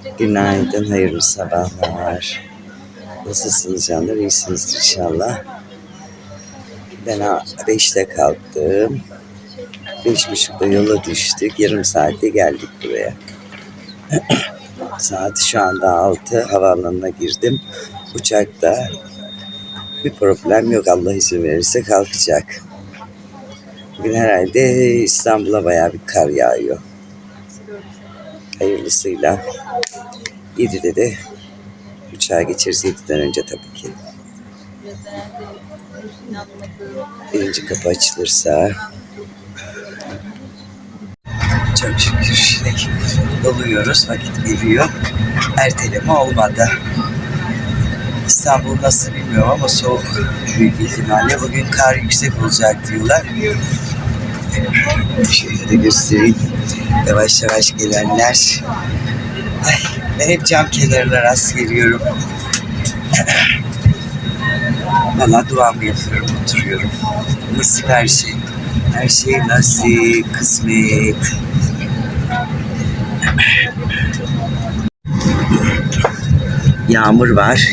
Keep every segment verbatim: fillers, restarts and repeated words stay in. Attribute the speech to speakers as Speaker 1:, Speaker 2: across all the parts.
Speaker 1: Günaydın, hayırlı sabahlar. Nasılsınız canlar? İyisinizdir inşallah. Ben beşte kalktım. Beş buçukta yola düştük. Yarım saatte geldik buraya. Saat şu anda altı. Havaalanına girdim. Uçakta bir problem yok. Allah izin verirse kalkacak. Bugün herhalde İstanbul'a bayağı bir kar yağıyor. Hayırlısıyla. yedide de uçağa geçeriz. yediden önce tabii ki. Birinci kapı açılırsa çok şükür şimdi doluyoruz. Vakit geliyor. Erteleme olmadı. İstanbul nasıl bilmiyorum ama soğuk büyük ihtimalle. Bugün kar yüksek olacak diyorlar. Şöyle de göstereyim. Yavaş yavaş gelenler. Ay, ben hep cam kenarına rast geliyorum. Valla duamı yapıyorum, oturuyorum. Nasip her şey. Her şey nasip, kısmet. Yağmur var.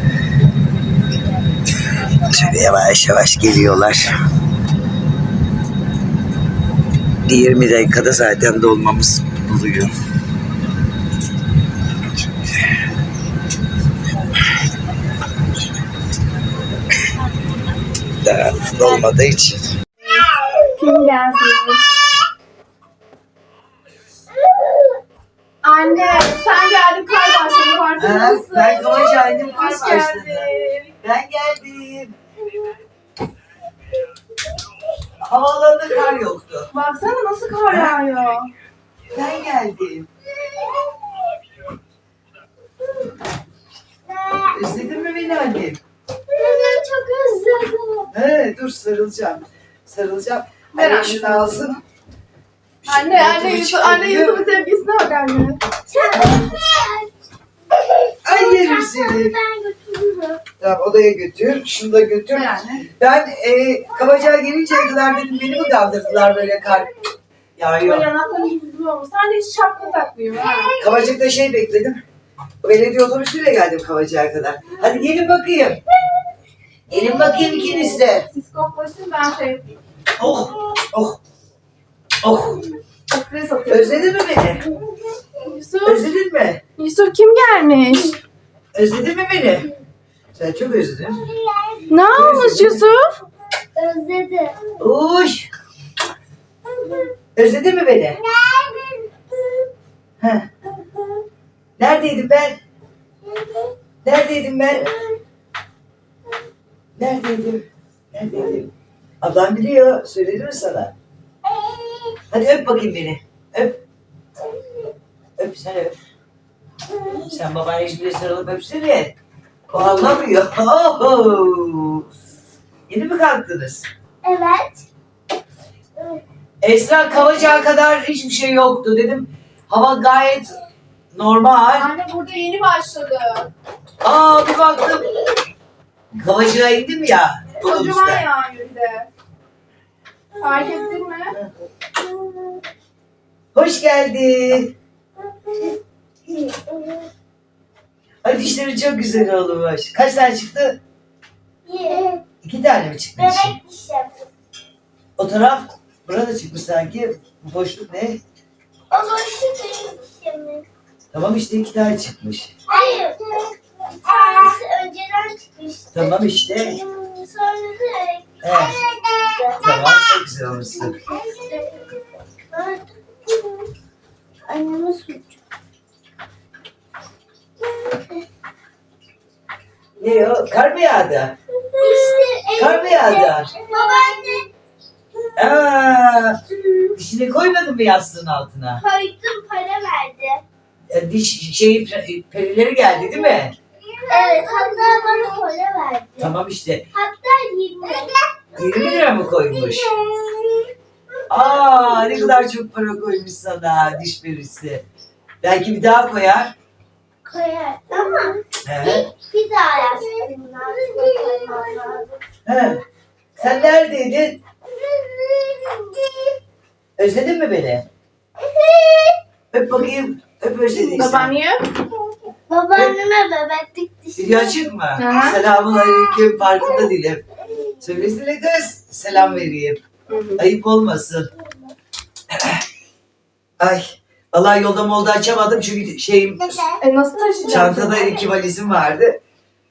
Speaker 1: Şöyle yavaş yavaş geliyorlar. yirmi dakikada zaten dolmamız oluyor. Daha dolmadığı için.
Speaker 2: Kim geldi? Anne sen geldin, kar başladı, farkında mısın?
Speaker 1: Ben Kavacay'dım, kar
Speaker 2: Hoş
Speaker 1: başladı.
Speaker 2: geldin.
Speaker 1: Ben geldim. Havaalanında kar yoktu.
Speaker 2: Baksana nasıl kar yağıyor.
Speaker 1: Ben geldim. Özledin mi beni annem?
Speaker 2: Ben çok özledim.
Speaker 1: He, dur sarılacağım. Sarılacağım.
Speaker 2: Ver
Speaker 1: Anne
Speaker 2: anne.
Speaker 1: şunu alsın.
Speaker 2: Anne, anne,
Speaker 1: Şunu
Speaker 2: Yusuf, anne
Speaker 1: çıkarıyor.
Speaker 2: Yusuf'un tepkisine bak anne.
Speaker 1: Ay yerim seni. Tamam odaya götür. Şunu da götür.
Speaker 2: Ver anne.
Speaker 1: Ben e, Kavacığa gelinceye kadar dedim beni mi kaldırdılar böyle kar
Speaker 2: Ama
Speaker 1: yağıyor.
Speaker 2: yanakların yüzü olmuş. Sen de hiç şapka takmıyor ha.
Speaker 1: Kavacık'ta şey bekledim. Belediye otobüsüyle geldim Kavacık'a kadar. Hadi gelin bakayım. Gelin bakayım ikiniz de.
Speaker 2: Siz koklaşın, ben şey yapayım.
Speaker 1: Oh, oh, oh.
Speaker 2: Koklayı satıyorum.
Speaker 1: Özledin mi beni?
Speaker 2: Yusuf,
Speaker 1: Özledin mi?
Speaker 2: Yusuf kim gelmiş?
Speaker 1: Özledin mi beni? Sen çok özledin.
Speaker 2: Ne olmuş Yusuf?
Speaker 3: Özledim.
Speaker 1: Uş. Özledin mi beni? Heh. Neredeydim ben? Neredeydim ben? Neredeydim? Neredeydim? Ablam biliyor. Söyledi mi sana? Hadi öp bakayım beni. Öp. Öp sen öp. Sen babanın hiçbirine sarılıp öpsene. O anlamıyor. Oho. Yeni mi kalktınız?
Speaker 3: Evet.
Speaker 1: Esra Kavacığa kadar hiçbir şey yoktu. Dedim hava gayet normal.
Speaker 2: Anne burada yeni başladı.
Speaker 1: Aa bir baktım. Kavacığa indim ya.
Speaker 2: Kocaman
Speaker 1: Otobüste.
Speaker 2: yağıyor bir de. Fark ettin mi?
Speaker 1: Hoş geldin. Ay dişleri çok güzel olmuş. Kaç tane çıktı?
Speaker 3: Ye.
Speaker 1: İki tane mi çıktı dişi?
Speaker 3: Bebek dişim.
Speaker 1: O taraf burada çıkmış sanki. Bu boşluk ne?
Speaker 3: O boşluk benim dişim.
Speaker 1: Tamam işte iki tane çıkmış.
Speaker 3: Hayır. Tanesi önceden çıkmıştı.
Speaker 1: Tamam işte.
Speaker 3: Sonra da
Speaker 1: Evet. Tamam çok güzel olmuşsun.
Speaker 3: Anneme suç.
Speaker 1: Ne o? Kar mı yağdı?
Speaker 3: İşte
Speaker 1: Kar mı yağdı?
Speaker 3: babaanne
Speaker 1: Aa, dişini koymadın mı yastığın altına?
Speaker 3: koydum, para verdi.
Speaker 1: Ya diş şeyi perileri geldi değil mi?
Speaker 3: Evet, hatta bana para verdi.
Speaker 1: Tamam işte.
Speaker 3: Hatta yirmi.
Speaker 1: yirmi lira mı koymuş? Aa ne kadar çok para koymuş sana diş perisi. Belki bir daha koyar.
Speaker 3: Koyar ama
Speaker 1: Evet.
Speaker 3: bir daha yastığımın altına koymam lazım.
Speaker 1: He. Sen neredeydin? Özledin mi beni? Öp bakayım. Öp özlediysen.
Speaker 2: Babaanne.
Speaker 3: Babaanneme bebeklik dişi.
Speaker 1: Video açık mı?
Speaker 2: Hı.
Speaker 1: Selamun aleyküm. Farkında değilim. Söylesene kız. Selam vereyim. Ayıp olmasın. Ay. Vallahi yolda molda açamadım çünkü şeyim
Speaker 2: E nasıl taşıyacağım?
Speaker 1: çantada iki valizim vardı.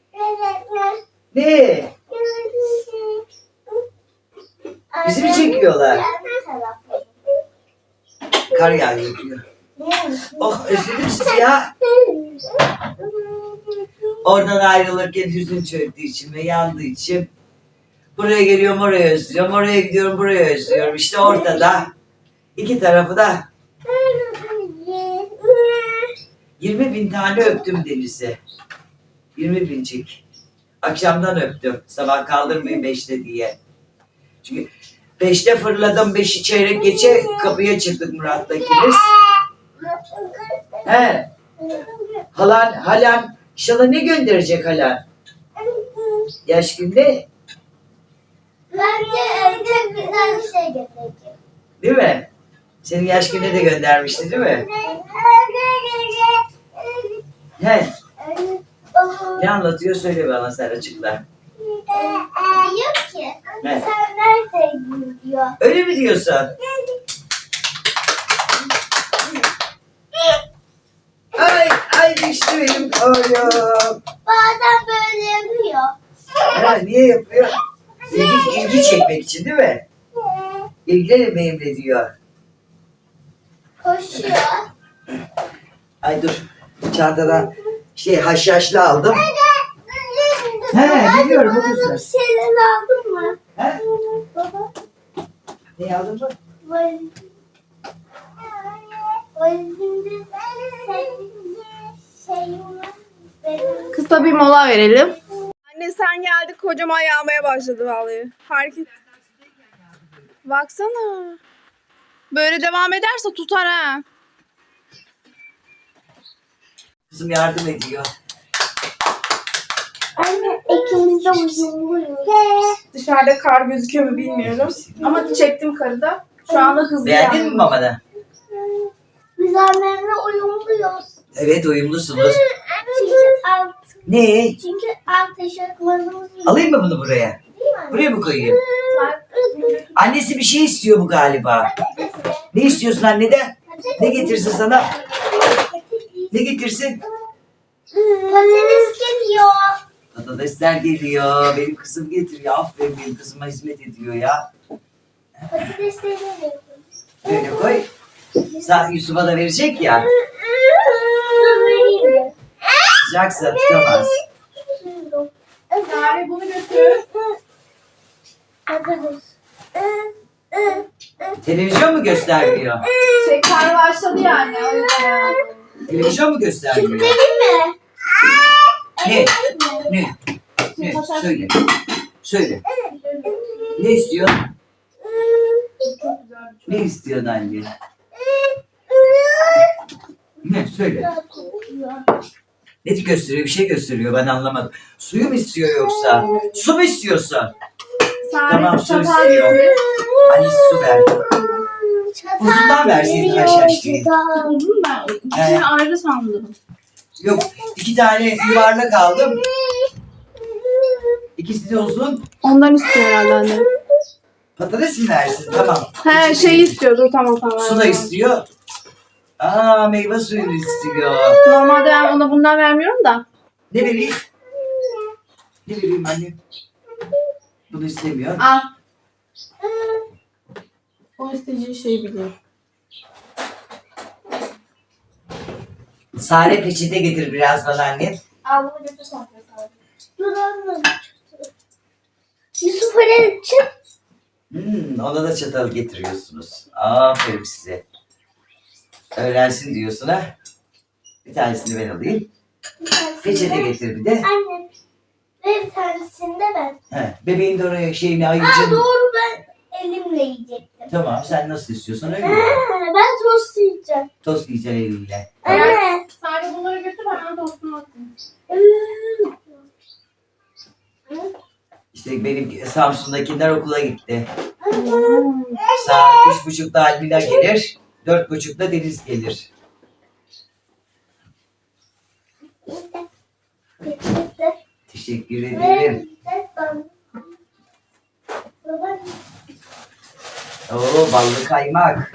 Speaker 1: Ne? Bizi mi çekiyorlar? Kar yağıyor diyor. Oh özledim sizi ya. Oradan ayrılırken hüzün çöktüğü için ve yandığı için buraya geliyorum oraya özlüyorum, oraya gidiyorum buraya özlüyorum. İşte ortada iki tarafı da yirmi bin tane öptüm Deniz'i. yirmi bincik. Akşamdan öptüm. Sabah kaldırmayın beşte diye. Çünkü beşte fırladım, beşi çeyrek geçe kapıya çıktık Murat'la ikimiz. He. Halan, halan, inşallah ne gönderecek halan? Yaş günde,
Speaker 3: Bence evde güzel bir şey gelecek.
Speaker 1: değil mi? Senin yaş günde de göndermişti değil mi? He. Ne anlatıyor söyle bana sen açıkla.
Speaker 3: Diyor ki
Speaker 1: Ne?
Speaker 3: sen neredeydin diyor.
Speaker 1: Öyle mi diyorsun? Ay ay düştü benim koyum.
Speaker 3: Bazen böyle yapıyor.
Speaker 1: Ha, niye yapıyor? İlgi, ilgi çekmek için değil mi? İlgilenin benimle diyor.
Speaker 3: Koşuyor.
Speaker 1: Ay dur. Çantadan şey haşhaşlı aldım. He biliyorum o
Speaker 3: Bana
Speaker 1: güzel.
Speaker 3: bir şeyler aldın mı?
Speaker 1: He?
Speaker 3: Baba.
Speaker 1: Ne aldın mı?
Speaker 3: Valizim. Valizimde senin şeyin var. Benim.
Speaker 2: Kısa bir mola verelim. Anne sen geldin kocam yağmaya başladı vallahi. Fark et. Baksana. Böyle devam ederse tutar ha.
Speaker 1: Kızım yardım ediyor.
Speaker 3: Anne ikimiz de uyumluyuz.
Speaker 2: Dışarıda kar gözüküyor mu bilmiyorum. Ama çektim karı da. Şu anda hızlı
Speaker 1: Beğendin mi
Speaker 2: yağmıyor.
Speaker 1: babana?
Speaker 3: Biz annemle uyumluyuz.
Speaker 1: Evet uyumlusunuz.
Speaker 3: Çünkü alt,
Speaker 1: Ne?
Speaker 3: çünkü alt eşofmanımız
Speaker 1: Alayım mı bunu buraya?
Speaker 3: değil mi?
Speaker 1: Buraya mı koyayım? Annesi bir şey istiyor bu galiba. Ne istiyorsun anneden? Ne getirsin sana? Ne getirsin?
Speaker 3: Patates geliyor.
Speaker 1: Patatesler geliyor. Benim kızım getiriyor. Aferin benim kızıma hizmet ediyor ya.
Speaker 3: Patatesleri geliyor.
Speaker 1: Böyle koy. Sa Yusuf'a da verecek ya.
Speaker 3: Su vereyim mi?
Speaker 1: Sıcaksa tutamaz.
Speaker 2: Sare bunu götür.
Speaker 3: Patates.
Speaker 1: Televizyon mu göstermiyor?
Speaker 2: Şey kar başladı yani. O yüzden.
Speaker 1: Televizyon mu göstermiyor?
Speaker 3: Vereyim mi?
Speaker 1: Ne? Ne? Ne? Söyle. Söyle. Ne istiyor?
Speaker 2: Çok güzel bir
Speaker 1: Ne istiyor anne? Ne? Söyle. Ne gösteriyor? Bir şey gösteriyor. Ben anlamadım. Suyu mu istiyor yoksa? Su mu istiyorsun?
Speaker 2: Sare
Speaker 1: Tamam, su
Speaker 2: çatal
Speaker 1: istiyor.
Speaker 2: getir.
Speaker 1: Annesi su ver. Uzundan verseydin haşhaşlıyı.
Speaker 2: Uzun ben. İkisini ayrı sandım.
Speaker 1: Yok. iki tane yuvarlak aldım. İkisi de uzun.
Speaker 2: Ondan istiyor herhalde anne.
Speaker 1: Patates mi versin? Tamam.
Speaker 2: He şey istiyordu tamam tamam.
Speaker 1: Su da istiyor. Aa meyve suyunu istiyor.
Speaker 2: Normalde ben ona bundan vermiyorum da.
Speaker 1: Ne vereyim? Ne vereyim anne? Bunu istemiyor.
Speaker 2: Al. O isteyeceği şeyi biliyor.
Speaker 1: Sare peçete getir biraz bana anne.
Speaker 2: Al bunu götür sonra.
Speaker 3: Dur anne. Yusuf oraya çık.
Speaker 1: Hmm, ona da çatal getiriyorsunuz. Aferin size. Öğrensin diyorsun ha. Bir tanesini ben alayım. Peçete getir bir de.
Speaker 3: Anne. Ve bir tanesini de ben.
Speaker 1: He, bebeğin de oraya şeyini
Speaker 3: Aa
Speaker 1: ayıracaksın.
Speaker 3: doğru ben elimle yiyecektim.
Speaker 1: Tamam sen nasıl istiyorsan öyle. yap.
Speaker 3: Ha, ben tost yiyeceğim.
Speaker 1: Tost yiyeceksin elinle.
Speaker 3: Anne.
Speaker 2: Sadece bunları götür hemen tostunu atayım.
Speaker 1: İşte benim Samsun'dakiler okula gitti. Saat üç buçukta Almila gelir. Dört buçukta Deniz gelir. Teşekkür ederim.
Speaker 3: Baba.
Speaker 1: Oo ballı kaymak.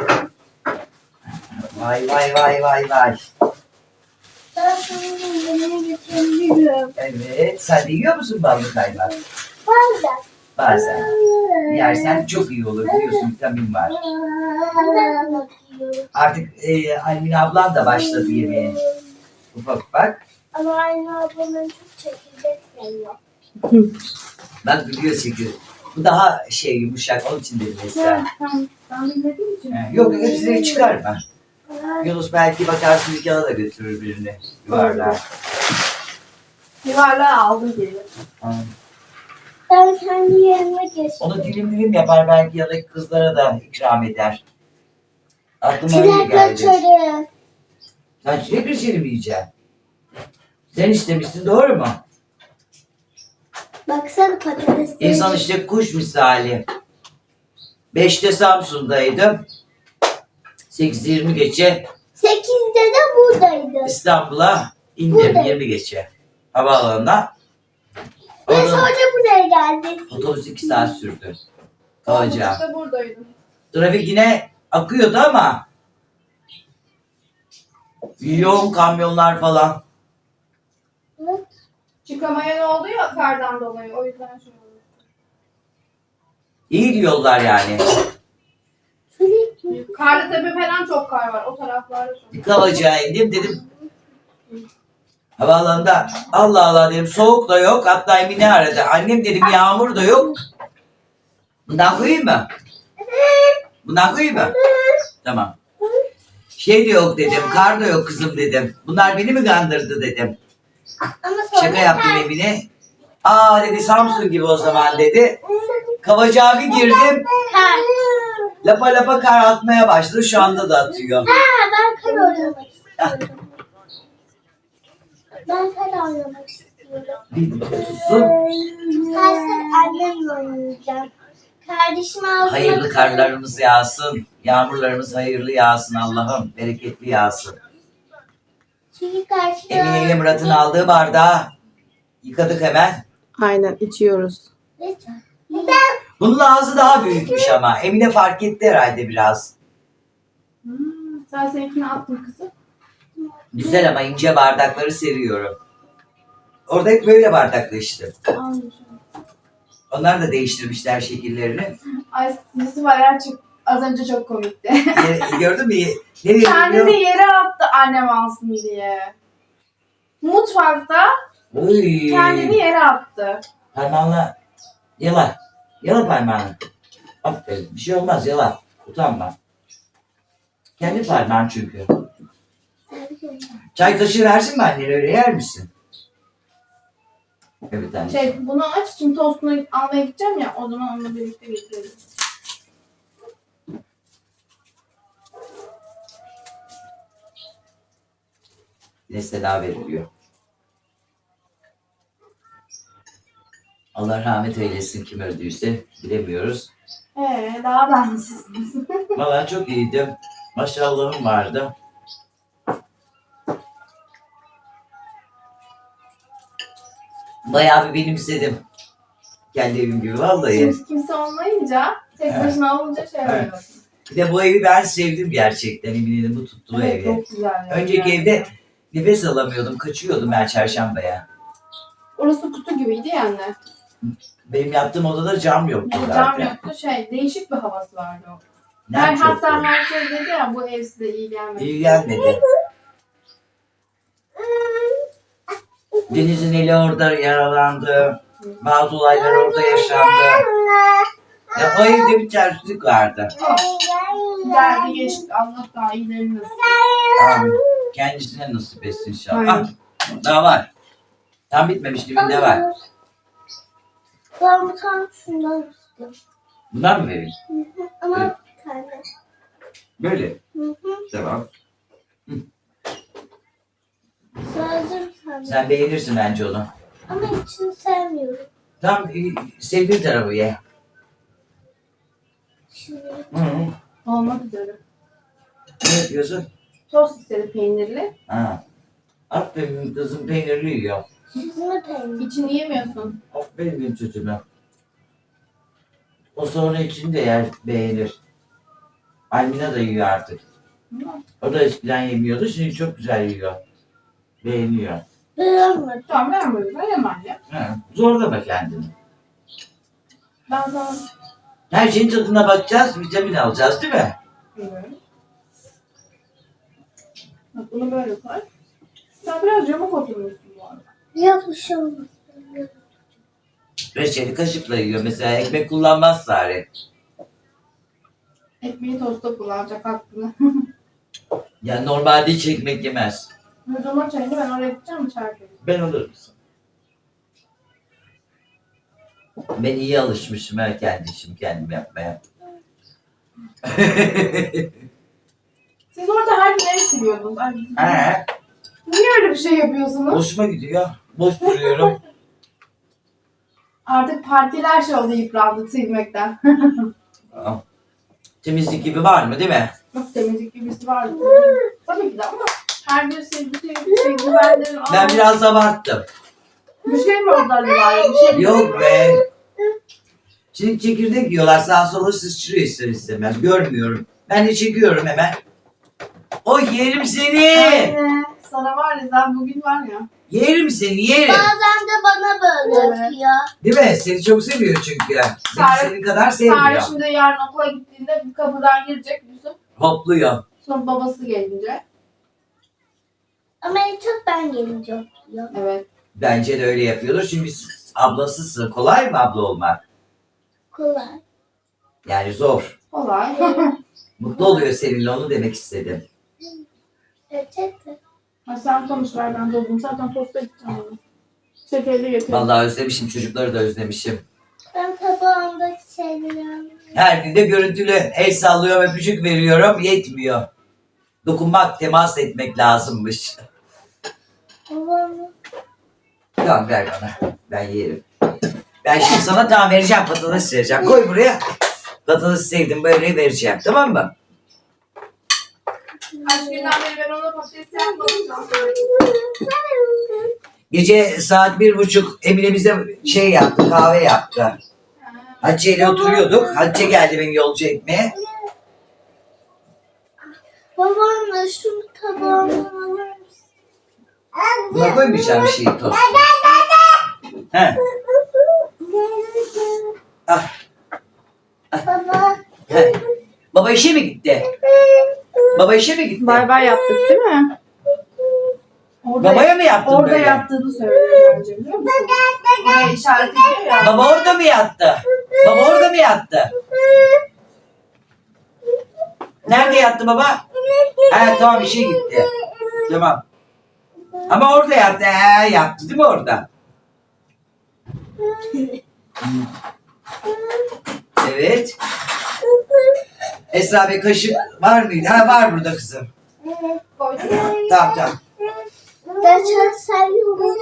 Speaker 1: Vay vay vay vay vay.
Speaker 3: Ben sana yemeğini getirebilirim.
Speaker 1: Evet. Sen de yiyor musun ballı kaymak?
Speaker 3: Bazen.
Speaker 1: Bazen. Yersen çok iyi olur biliyorsun vitamin var.
Speaker 3: Ben bakıyorum.
Speaker 1: Artık e, Almine ablan da başladı yemeğe. Ufak ufak.
Speaker 3: Ama aynı ablamın çok çekirdek seviyor.
Speaker 1: Bak biliyor çünkü. Bu daha şey yumuşak onun için dedim mesela.
Speaker 2: Tamam. Ben bilmediğim için.
Speaker 1: He, Yok hepsini çıkarma. Yunus belki bakarsın dükkana da götürür birini. Yuvarlar.
Speaker 2: Yuvarlağı aldım geri.
Speaker 1: Ha.
Speaker 3: Ben kendi yerime geçtim.
Speaker 1: Onu dilim dilim yapar belki ya da kızlara da ikram eder. Aklıma öyle
Speaker 3: Çilek
Speaker 1: geldi.
Speaker 3: reçeli.
Speaker 1: Sen çilek reçeli mi yiyeceksin? Sen istemişsin doğru mu?
Speaker 3: Baksana patates.
Speaker 1: İnsan işte kuş misali. Beşte Samsun'daydım. sekiz yirmi geçe
Speaker 3: Sekizde de buradaydı.
Speaker 1: İstanbul'a indim
Speaker 3: Buradayım.
Speaker 1: yirmi geçe. Havaalanına.
Speaker 3: Ve
Speaker 1: Oradan
Speaker 3: sonra buraya geldik.
Speaker 1: otobüs iki saat sürdü. Kalacağı.
Speaker 2: İşte buradaydım.
Speaker 1: Trafik yine akıyordu ama yoğun kamyonlar falan.
Speaker 2: Çıkamaya ne oldu ya kardan dolayı. O yüzden şey oldu.
Speaker 1: İyi diyorlar yani.
Speaker 2: Karlıtepe falan çok kar var. O taraflarda çok.
Speaker 1: Kalacağı indim dedim. Havaalanında Allah Allah dedim soğuk da yok. Hatta Emine aradı. Annem dedim yağmur da yok. Bundan koyayım mı? Bundan koyayım mı? Tamam. Şey de yok dedim. Kar da yok kızım dedim. Bunlar beni mi kandırdı dedim.
Speaker 3: Ama sonra
Speaker 1: Şaka yaptım Emine. Aa dedi Samsun gibi o zaman dedi. Kavacağa bir girdim.
Speaker 3: Kar.
Speaker 1: Lapa lapa kar atmaya başladı. Şu anda da atıyor.
Speaker 3: Ha, ben kar oynamak istiyorum. Ben kar oynamak istiyorum.
Speaker 1: Bir tutsun.
Speaker 3: Karşıda annemle oynayacağım. Kardeşim ağzına...
Speaker 1: Hayırlı karlarımız yağsın. Yağmurlarımız hayırlı yağsın Allah'ım. Bereketli yağsın.
Speaker 3: Çünkü karşıda...
Speaker 1: Emine ile Murat'ın aldığı bardağı yıkadık hemen.
Speaker 2: Aynen içiyoruz.
Speaker 3: Lütfen.
Speaker 1: Bunun ağzı daha büyükmüş ama. Emine fark etti herhalde biraz.
Speaker 2: Hmm, sen seninkini attın kızım.
Speaker 1: Güzel ama ince bardakları seviyorum. Orada hep böyle bardakla içtim.
Speaker 2: Almışım.
Speaker 1: Onlar da değiştirmişler şekillerini.
Speaker 2: Ay Yusuf Arar çok az önce çok komikti.
Speaker 1: Ye- Gördün mü? Nereye
Speaker 2: Kendini
Speaker 1: gidiyor?
Speaker 2: yere attı annem alsın diye. Mutfakta
Speaker 1: Uy.
Speaker 2: kendini yere attı.
Speaker 1: Parmağınla yala. Yala parmağını. Aferin. Bir şey olmaz yala. Utanma. Kendi parmağın çünkü. Çay kaşığı versin mi annen öyle yer misin? Evet anne.
Speaker 2: Şey bunu aç şimdi tostunu almaya gideceğim ya o zaman onunla birlikte getirelim.
Speaker 1: Nesne daha veriliyor. Allah rahmet eylesin kim öldüyse bilemiyoruz.
Speaker 2: Ee daha da iyisiniz.
Speaker 1: Vallahi çok iyiydim. Maşallahım vardı. Bayağı bir benimsedim. Kendi evim gibi vallahi.
Speaker 2: Şimdi kimse olmayınca tek
Speaker 1: Evet.
Speaker 2: başına olunca şey
Speaker 1: Evet.
Speaker 2: oluyor.
Speaker 1: Bir de bu evi ben sevdim gerçekten. Eminim bu tuttu bu
Speaker 2: Evet,
Speaker 1: evi.
Speaker 2: çok güzel. ya.
Speaker 1: Önceki evde nefes alamıyordum. Kaçıyordum ben çarşambaya.
Speaker 2: Orası kutu gibiydi yani.
Speaker 1: Benim yattığım odada cam yoktu
Speaker 2: Yani
Speaker 1: zaten.
Speaker 2: cam yoktu şey değişik bir havası vardı o.
Speaker 1: Nem
Speaker 2: Ben
Speaker 1: çoktu.
Speaker 2: hatta herkes dedi ya bu ev size iyi gelmedi.
Speaker 1: İyi gelmedi. Deniz'in eli orada yaralandı. Bazı olaylar orada yaşandı. Ya o evde bir terslik vardı.
Speaker 2: Geldi geçti Allah daha iyilerini nasip.
Speaker 1: Amin. Kendisine nasip etsin inşallah.
Speaker 2: Aynen.
Speaker 1: Ah, daha var. Tam bitmemiş dibinde var.
Speaker 3: Ben bu tam şundan istiyorum.
Speaker 1: Bundan mı vereyim?
Speaker 3: Hı hı. Ama bir tane.
Speaker 1: Böyle.
Speaker 3: Hı hı.
Speaker 1: Tamam.
Speaker 3: Sadece bir tane.
Speaker 1: Sen beğenirsin bence onu.
Speaker 3: Ama içini sevmiyorum.
Speaker 1: Tam e, sevdiğin tarafı ye.
Speaker 3: Şimdi
Speaker 1: Hı hı.
Speaker 2: Olmak üzere.
Speaker 1: Ne yapıyorsun?
Speaker 2: Tost istedi peynirli.
Speaker 1: Ha. Aferin kızım peynirli yiyor.
Speaker 3: Süzme peynir.
Speaker 2: İçini yemiyorsun.
Speaker 1: Aferin benim çocuğuma. O sonra içini de yer, beğenir. Almina da yiyor artık. O da eskiden yemiyordu, şimdi çok güzel yiyor. Beğeniyor.
Speaker 3: Beğenmedim.
Speaker 2: Tamam ben böyle yemem anne.
Speaker 1: Ha, zorlama kendini.
Speaker 2: Ben sana
Speaker 1: Her şeyin tadına bakacağız, vitamin alacağız değil mi?
Speaker 2: bilmiyorum. Bak bunu böyle koy. Sen biraz yamuk oturmuşsun bu arada.
Speaker 3: Yok bir şey olmaz.
Speaker 1: Reçeli kaşıkla yiyor. Mesela ekmek kullanmaz Sare.
Speaker 2: Ekmeği tosta kullanacak hakkını.
Speaker 1: Yani normalde hiç ekmek yemez.
Speaker 2: Hocama çayını ben oraya gideceğim içeride.
Speaker 1: Ben alır mısın? Ben iyi alışmışım ha kendi işimi kendim yapmaya.
Speaker 2: Siz orada her gün ev siliyordunuz. Ay,
Speaker 1: He,
Speaker 2: niye öyle bir şey yapıyorsunuz?
Speaker 1: hoşuma gidiyor. Boş duruyorum.
Speaker 2: Artık partiler şey oldu yıprandı silmekten.
Speaker 1: Aa, temizlik gibi var mı değil mi?
Speaker 2: Çok temizlik gibisi vardı. Tabii ki de ama her gün sildi sildi sildi. Ben dedim
Speaker 1: Ben
Speaker 2: "Aa,
Speaker 1: biraz abarttım.
Speaker 2: bir şey mi oldu acaba? Bir şey mi?
Speaker 1: Yok be. Şimdi çekirdek yiyorlar sağa sola sıçrıyor ister istemez. Görmüyorum. Ben de çekiyorum hemen. O yerim seni.
Speaker 2: Anne, sana var ya sen bugün var ya.
Speaker 1: Yerim seni yerim.
Speaker 3: Bazen de bana böyle
Speaker 2: Evet.
Speaker 3: yapıyor.
Speaker 1: Değil mi? Seni çok seviyor çünkü. Beni
Speaker 2: Sare-
Speaker 1: senin kadar
Speaker 2: Sare
Speaker 1: sevmiyor.
Speaker 2: şimdi yarın okula gittiğinde bir kapıdan girecek Yusuf.
Speaker 1: Hopluyor.
Speaker 2: Sonra babası gelince.
Speaker 3: Ama en çok ben gelince yapıyor.
Speaker 2: Evet.
Speaker 1: Bence de öyle yapıyordur. Çünkü ablasısın. Kolay mı abla olmak?
Speaker 3: Kolay.
Speaker 1: Yani zor.
Speaker 2: Kolay.
Speaker 1: Mutlu oluyor seninle onu demek istedim.
Speaker 3: Reçete.
Speaker 2: Ha, sen konuş ver ben doldum. Zaten posta gideceğim onu. Şekerli getir.
Speaker 1: Vallahi özlemişim. Çocukları da özlemişim.
Speaker 3: Ben tabağımdaki şeyleri alayım.
Speaker 1: Her gün de görüntülü el sallıyorum, öpücük veriyorum. Yetmiyor. Dokunmak, temas etmek lazımmış.
Speaker 3: Babamı.
Speaker 1: Tamam ver bana. Ben yerim. Ben şimdi sana tamam vereceğim. Patates vereceğim. Koy buraya. Patates sevdim. Böyle vereceğim. Tamam mı?
Speaker 2: Kaç günden beri ben ona patates yapmadım.
Speaker 1: Gece saat bir buçuk Emine bize şey yaptı. Kahve yaptı. Hatice ile oturuyorduk. Hatice geldi beni yolcu etmeye.
Speaker 3: Babamla şunu tabağıma alır mısın?
Speaker 1: Buna koymayacağım bir şeyi tost. He. Ah.
Speaker 3: Baba.
Speaker 1: He. Baba işe mi gitti? Baba işe mi gitti?
Speaker 2: Bay bay yaptık değil mi? Orada,
Speaker 1: Babaya mı yaptın
Speaker 2: orada
Speaker 1: böyle?
Speaker 2: yaptığını söylüyor bence biliyor musun? Oraya işaret ediyor ya.
Speaker 1: Baba orada mı yattı? Baba orada mı yattı? Nerede yattı baba? He tamam işe gitti. Tamam. Ama orada yattı. He yattı değil mi orada? Evet. Esra Bey kaşık var mıydı? Ha var burada kızım.
Speaker 2: Koydum.
Speaker 1: Tamam tamam.
Speaker 3: Ben çok seviyorum.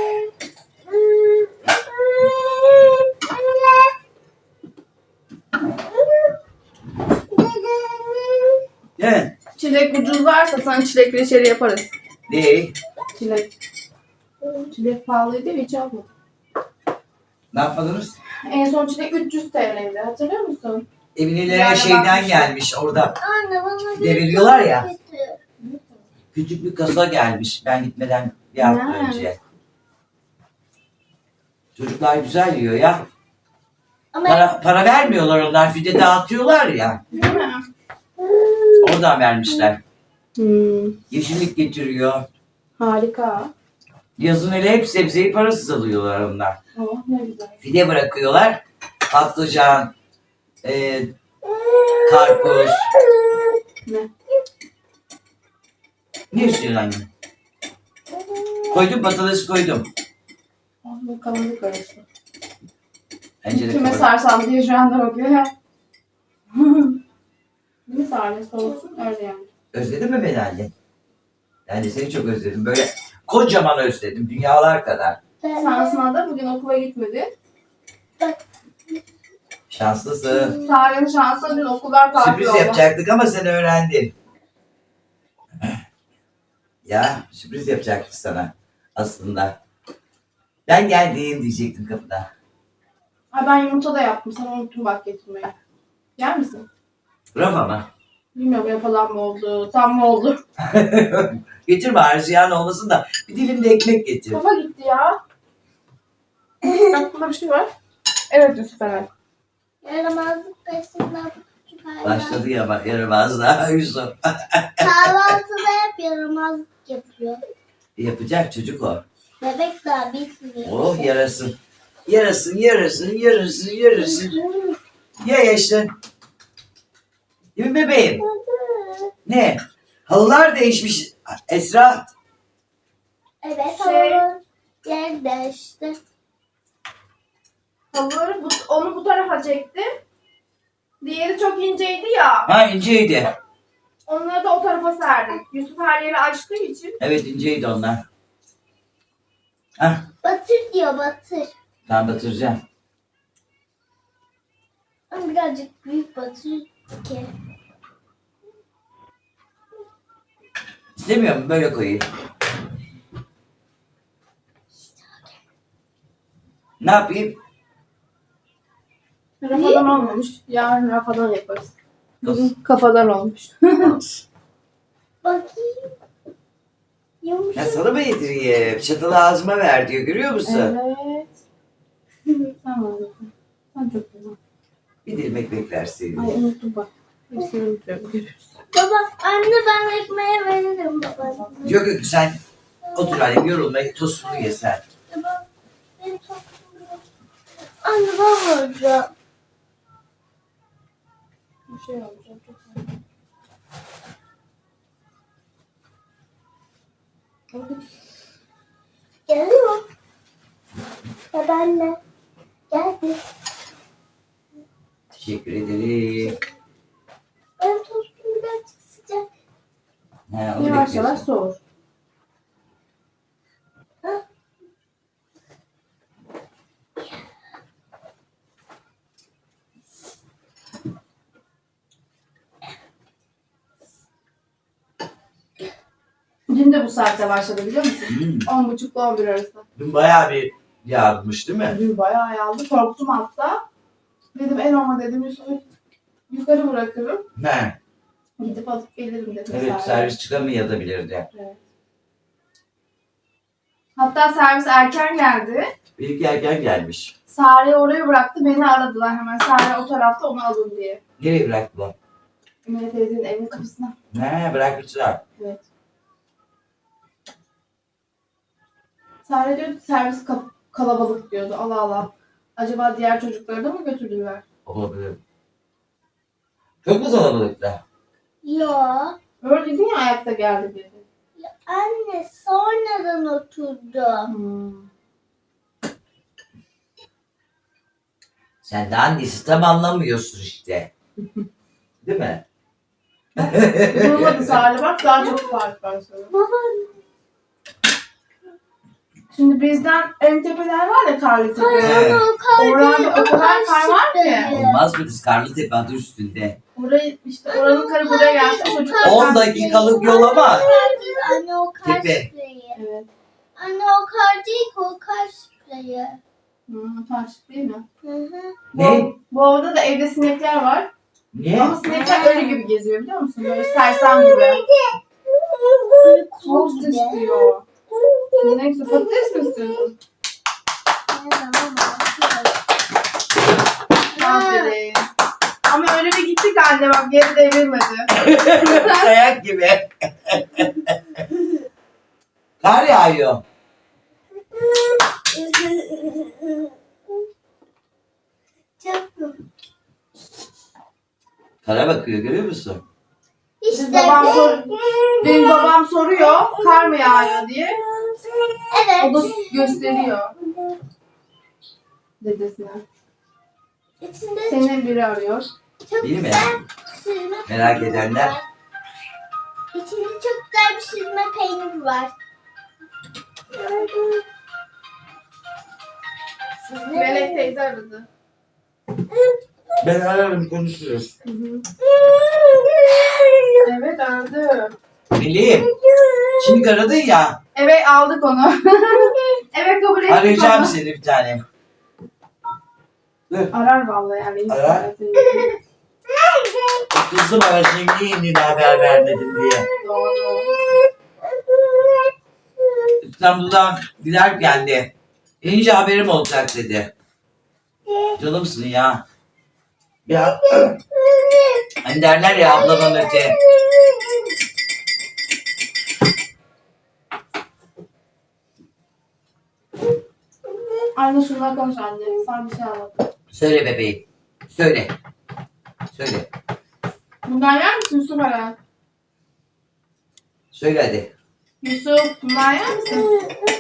Speaker 1: Değil mi?
Speaker 2: Çilek ucuz varsa sana çilek reçeli yaparız.
Speaker 1: Değil.
Speaker 2: Çilek. Çilek pahalıydı ya hiç almadım.
Speaker 1: Ne yapmadınız?
Speaker 2: En son çilek üç yüz T L'ydi hatırlıyor musun?
Speaker 1: Eminelere
Speaker 2: Yani
Speaker 1: şeyden
Speaker 2: bakmıştım.
Speaker 1: gelmiş orada.
Speaker 3: Anne bana
Speaker 1: Bir de veriyorlar ya.
Speaker 3: getir.
Speaker 1: Küçük bir kasa gelmiş ben gitmeden bir hafta
Speaker 2: Ha.
Speaker 1: önce. Çocuklar güzel yiyor ya.
Speaker 3: Ama
Speaker 1: Para, para vermiyorlar onlar. Fide dağıtıyorlar ya.
Speaker 2: Değil mi?
Speaker 1: Oradan vermişler.
Speaker 2: Hmm,
Speaker 1: Yeşillik getiriyor.
Speaker 2: harika.
Speaker 1: Yazın hele hep sebzeyi parasız alıyorlar onlar.
Speaker 2: Oh ne güzel.
Speaker 1: Fide bırakıyorlar. Patlıcan, e, karpuz.
Speaker 2: Ne?
Speaker 1: Ne istiyorsun anne? Koydum patates koydum.
Speaker 2: Oh bu kavanoz karıştı.
Speaker 1: Bence de
Speaker 2: Kime
Speaker 1: kapat-
Speaker 2: sarsam diye şu anda bakıyor ya. Bir sarması olsun öyle yani.
Speaker 1: Özledin mi beni anne? Ben de seni çok özledim. Böyle kocaman özledim. Dünyalar kadar.
Speaker 2: Şansına da bugün okula gitmedi.
Speaker 1: Şanslısın.
Speaker 2: Sare'nin şansına dün okullar tatil
Speaker 1: Sürpriz
Speaker 2: oldu.
Speaker 1: yapacaktık ama sen öğrendin. Ya sürpriz yapacaktık sana aslında. Ben geldim diyecektim kapıda.
Speaker 2: Ay ben yumurta da yaptım. Sana unuttum bak getirmeyi. Yer misin?
Speaker 1: Rafa mı?
Speaker 2: Bilmiyorum yapılan mı oldu, tam mı oldu?
Speaker 1: Getir bari ziyan olmasın da bir dilim de ekmek getir.
Speaker 2: Kafa gitti ya. Aklımda bir şey var. Evet Yusuf Eren.
Speaker 3: Yaramazlık peşinden küçük hayvan.
Speaker 1: Başladı ya bak yaramaz daha Yusuf.
Speaker 3: Kahvaltıda hep yaramazlık yapıyor.
Speaker 1: Yapacak çocuk o.
Speaker 3: Bebek daha bitmiyor.
Speaker 1: Oh yarasın. Yarasın, yarasın, yarasın, yarasın. Ya yaşın. Değil mi bebeğim? Ne? Halılar değişmiş Esra.
Speaker 3: Evet,
Speaker 2: Şey-
Speaker 3: havanın yer değişti.
Speaker 2: Halıları bu, onu bu tarafa çektim. Diğeri çok inceydi ya.
Speaker 1: Ha inceydi.
Speaker 2: Onları da o tarafa serdik. Yusuf her yeri açtığı için.
Speaker 1: Evet inceydi onlar. Hah
Speaker 3: Batır diyor, batır.
Speaker 1: ben batıracağım.
Speaker 3: Ama birazcık büyük batır ki.
Speaker 1: İstemiyorum böyle koyayım. Ne yapayım?
Speaker 2: Rafadan olmamış. Yarın rafadan yaparız.
Speaker 1: Nasıl?
Speaker 2: Bugün kafadan olmuş.
Speaker 3: Bakayım.
Speaker 1: Ya
Speaker 3: Yumuşak.
Speaker 1: sana mı yedireyim? Çatalı ağzıma ver diyor görüyor musun?
Speaker 2: Evet. Tamam. Sen çok güzel.
Speaker 1: Bir dilim ekmek verseydin.
Speaker 2: Ay unuttum bak. Hepsini unutuyorum. Görüyoruz.
Speaker 3: Baba, anne ben ekmeğe veririm baba.
Speaker 1: Yok yok sen otur annem yorulma tostunu ye sen.
Speaker 3: Baba, benim tokum yok. Anne ben vuracağım.
Speaker 2: Bir şey olacak. Çok güzel.
Speaker 3: Geliyor. Babaanne. Geldi.
Speaker 1: Teşekkür ederim.
Speaker 3: Benim tostum birazcık sıcak.
Speaker 1: He, onu
Speaker 2: Yavaş yavaş
Speaker 1: bekliyorsun.
Speaker 2: soğur. Dün de bu saatte başladı biliyor musun?
Speaker 1: Hmm.
Speaker 2: On buçukla on bir arası.
Speaker 1: Dün bayağı bir yağmış değil mi?
Speaker 2: Dün bayağı yağdı. Korktum hatta. Dedim en olma dedim Yusuf'u yukarı bırakırım.
Speaker 1: He.
Speaker 2: Gidip alıp gelirim dedim.
Speaker 1: Evet
Speaker 2: servis.
Speaker 1: servis çıkamayabilirdi.
Speaker 2: Evet. Hatta servis erken geldi.
Speaker 1: İlk erken gelmiş.
Speaker 2: Sare'yi oraya bıraktı. Beni aradılar hemen. Sare o tarafta onu alın diye.
Speaker 1: Nereye bıraktılar?
Speaker 2: Emine teyzenin evinin kapısına.
Speaker 1: He bırakmışlar.
Speaker 2: Evet. Sare diyordu servis kap- kalabalık diyordu. Allah Allah. Acaba diğer çocukları da mı götürdüler?
Speaker 1: Olabilir. Çok mu kalabalıkta?
Speaker 3: Yo.
Speaker 2: Öyle dedin ya ayakta geldi dedi.
Speaker 3: Ya anne sonradan oturdum.
Speaker 2: Hmm.
Speaker 1: Sen de annesi tam anlamıyorsun işte. Değil mi?
Speaker 2: Durmadı Sare bak daha çok fark var sana.
Speaker 3: Baba.
Speaker 2: Şimdi bizden en tepeler var ya Karlıtepe.
Speaker 1: Evet.
Speaker 3: Anne o kar
Speaker 2: Orada
Speaker 3: değil,
Speaker 2: o kadar kar var ki.
Speaker 3: şıkkı.
Speaker 1: Olmaz mı kız Karlıtepe adı üstünde?
Speaker 2: Orayı işte oranın karı buraya gelse çocuklar.
Speaker 1: on dakikalık yol ama.
Speaker 3: Anne o kar
Speaker 1: Tepe.
Speaker 3: spreyi.
Speaker 2: Evet.
Speaker 3: Anne o kar değil ki o kar spreyi.
Speaker 2: Hmm, taş değil mi?
Speaker 3: Hı hı.
Speaker 1: Ne?
Speaker 2: Bu orada da evde sinekler var.
Speaker 1: Niye?
Speaker 2: Ama sinekler ölü gibi geziyor biliyor musun? Böyle sersem gibi.
Speaker 3: Böyle kum
Speaker 2: Tost
Speaker 3: gibi.
Speaker 2: istiyor. Neyse patates mi istiyorsun?
Speaker 3: Ne zaman bakıyorum.
Speaker 2: Aferin. Ama öyle bir gittik anne bak geri devrilmedi.
Speaker 1: Kayak gibi. Kar yağıyor.
Speaker 3: Çok
Speaker 1: Kara bakıyor görüyor musun?
Speaker 3: İşte
Speaker 2: Biz babam sor,
Speaker 3: bu.
Speaker 2: benim babam soruyor kar mı yağıyor diye. O da
Speaker 3: Evet.
Speaker 2: gösteriyor dedesine.
Speaker 3: İçinde
Speaker 2: Senin biri arıyor.
Speaker 3: çok
Speaker 1: Değil mi?
Speaker 3: güzel süzme
Speaker 1: Merak
Speaker 3: peynir
Speaker 1: edenler.
Speaker 3: var. İçinde çok güzel bir süzme peynir var. Süzme
Speaker 2: Melek
Speaker 3: peynir.
Speaker 2: teyze aradı.
Speaker 1: Ben ararım konuşuruz.
Speaker 2: Evet aradı.
Speaker 1: Meleğim. Şimdi aradın ya.
Speaker 2: Evet aldık onu. Evet kabul ettik.
Speaker 1: Arayacağım
Speaker 2: onu.
Speaker 1: seni bir tane. Dur.
Speaker 2: Arar vallahi yani.
Speaker 1: Arar. Kızım arasın niye indin haber vermedin diye.
Speaker 2: Doğru.
Speaker 1: İstanbul'dan giderken de inince haberim olacak dedi. Canımsın ya. Ya hani derler ya abladan öte.
Speaker 2: Anne şunlar konuş anne. Sana bir şey anlat.
Speaker 1: Söyle bebeğim. Söyle. Söyle.
Speaker 2: Bundan yer misin Yusuf Eren?
Speaker 1: Söyle hadi.
Speaker 2: Yusuf bundan yer misin?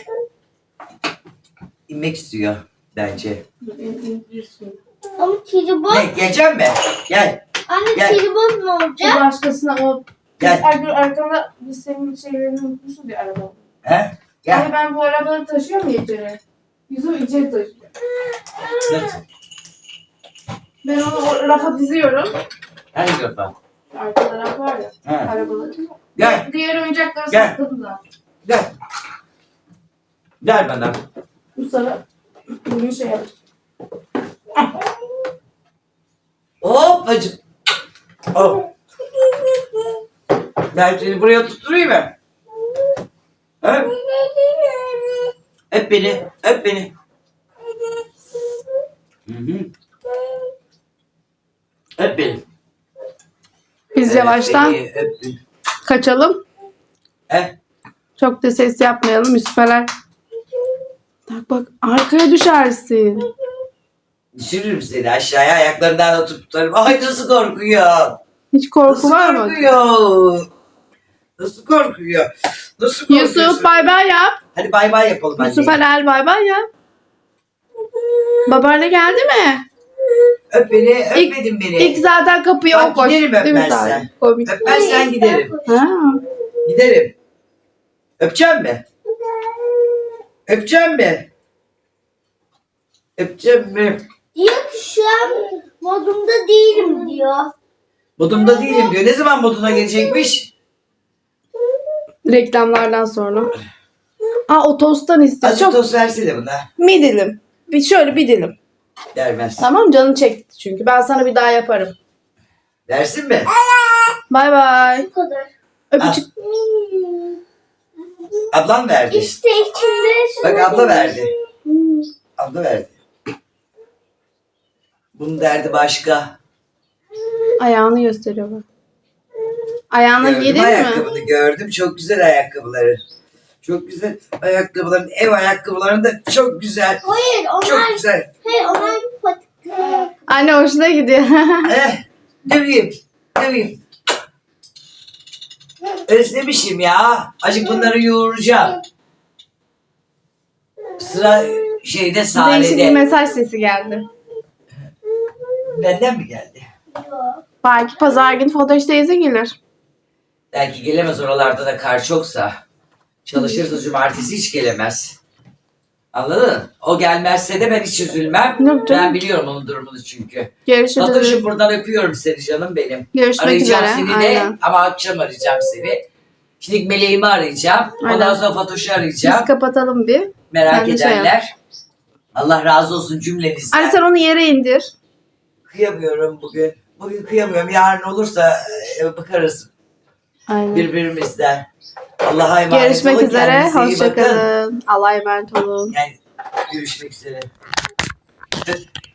Speaker 1: İnmek istiyor bence.
Speaker 2: Dur, in- indirsin.
Speaker 3: Ama tribon.
Speaker 1: Ne geleceğim mi? Gel.
Speaker 3: Anne
Speaker 1: Gel.
Speaker 3: tribon ne
Speaker 2: O
Speaker 3: olacak?
Speaker 2: başkasına o...
Speaker 1: Gel.
Speaker 2: Ay, dur, arkanda biz senin şeylerini unutmuşuz ya araba.
Speaker 1: He? Gel.
Speaker 2: Yani ben bu arabaları taşıyorum ya içeri. Yusuf içeri taşıyor.
Speaker 1: Nasıl?
Speaker 2: Ben onu o rafa diziyorum.
Speaker 1: Hangi kafa?
Speaker 2: Arkada raf var ya.
Speaker 1: He.
Speaker 2: Arabaları.
Speaker 1: Gel.
Speaker 2: Diğer oyuncakları
Speaker 1: Gel.
Speaker 2: sakladım da.
Speaker 1: Gel. Gel bana.
Speaker 2: Bu sana bugün şey yapacağım.
Speaker 1: Hop bacım. Hop. Ben seni buraya tutturayım mı? He? Öp beni. Öp beni. Hı hı. Öp beni.
Speaker 2: Biz
Speaker 1: Öp
Speaker 2: yavaştan
Speaker 1: beni, öp beni.
Speaker 2: kaçalım.
Speaker 1: He?
Speaker 2: Çok da ses yapmayalım Yusuf'eler. Bak bak arkaya düşersin.
Speaker 1: Düşürürüm seni aşağıya ayaklarından da tutarım. Ay nasıl korkuyor.
Speaker 2: Hiç korku
Speaker 1: Nasıl
Speaker 2: var mı?
Speaker 1: korkuyor. Nasıl korkuyor. Nasıl korkuyorsun?
Speaker 2: Yusuf bay bay yap.
Speaker 1: Hadi bay bay yapalım anne.
Speaker 2: Yusuf Alel bay bay yap. Babaanne geldi mi?
Speaker 1: Öp beni,
Speaker 2: İlk-
Speaker 1: öpmedin beni.
Speaker 2: İlk zaten kapıyı
Speaker 1: Bak,
Speaker 2: o koş.
Speaker 1: giderim
Speaker 2: Değil mi
Speaker 1: öpmezsen.
Speaker 2: Sare? Komik.
Speaker 1: Öpmezsen giderim.
Speaker 2: Ha.
Speaker 1: Giderim. Öpeceğim mi? Öpeceğim mi? Öpeceğim mi?
Speaker 3: Diyor ki şu an modumda değilim diyor.
Speaker 1: Modumda değilim diyor. Ne zaman moduna gelecekmiş?
Speaker 2: Reklamlardan sonra. Aa o tosttan istiyor.
Speaker 1: Azıcık
Speaker 2: Çok
Speaker 1: toz versene buna.
Speaker 2: bir dilim. Bir şöyle bir dilim.
Speaker 1: Vermez.
Speaker 2: Tamam canın çekti çünkü. Ben sana bir daha yaparım.
Speaker 1: Versin mi?
Speaker 2: Bay bay.
Speaker 3: Bu kadar.
Speaker 2: Öpücük.
Speaker 3: Hmm.
Speaker 1: Ablam verdi.
Speaker 3: İşte içinde.
Speaker 1: Bak abla verdi.
Speaker 3: Hmm.
Speaker 1: Abla verdi. Bunun derdi başka.
Speaker 2: Ayağını gösteriyor bak. Ayağına
Speaker 1: Gördüm
Speaker 2: giydin mi?
Speaker 1: ayakkabını gördüm. Çok güzel ayakkabıları. Çok güzel ayakkabıların, ev ayakkabıların da çok güzel.
Speaker 3: Hayır onlar,
Speaker 1: Çok güzel.
Speaker 3: hayır onlar patik.
Speaker 2: Anne hoşuna gidiyor.
Speaker 1: Eh, döveyim, döveyim. Özlemişim ya. Acık bunları yoğuracağım. Sıra şeyde
Speaker 2: Değişik bir
Speaker 1: Sare'de.
Speaker 2: mesaj sesi geldi.
Speaker 1: Benden mi geldi?
Speaker 2: Belki pazar günü Fotoş teyze gelir.
Speaker 1: Belki gelemez, oralarda da kar çoksa. Çalışırsa cumartesi hiç gelemez. Anladın? O gelmezse de ben hiç üzülmem.
Speaker 2: Yok canım.
Speaker 1: Ben biliyorum onun durumunu çünkü.
Speaker 2: Görüşürüz.
Speaker 1: Fatoş'um buradan öpüyorum seni canım benim.
Speaker 2: Görüşmek
Speaker 1: Arayacağım
Speaker 2: üzere.
Speaker 1: seni de
Speaker 2: Aynen.
Speaker 1: ama akşam arayacağım seni. Şimdi meleğimi arayacağım. Ondan
Speaker 2: Aynen.
Speaker 1: sonra Fatoş'u
Speaker 2: Biz
Speaker 1: arayacağım.
Speaker 2: kapatalım bir.
Speaker 1: Merak
Speaker 2: sen de şey
Speaker 1: edenler. Allah razı olsun cümlenizden.
Speaker 2: Anne sen onu yere indir.
Speaker 1: Kıyamıyorum bugün. Bugün kıyamıyorum. Yarın olursa e, bakarız
Speaker 2: Aynen.
Speaker 1: birbirimizden. Allah'a emanet
Speaker 2: Görüşmek
Speaker 1: olun.
Speaker 2: üzere.
Speaker 1: Kendinize iyi bakın.
Speaker 2: Hoşçakalın. Allah'a emanet olun.
Speaker 1: Yani görüşmek üzere.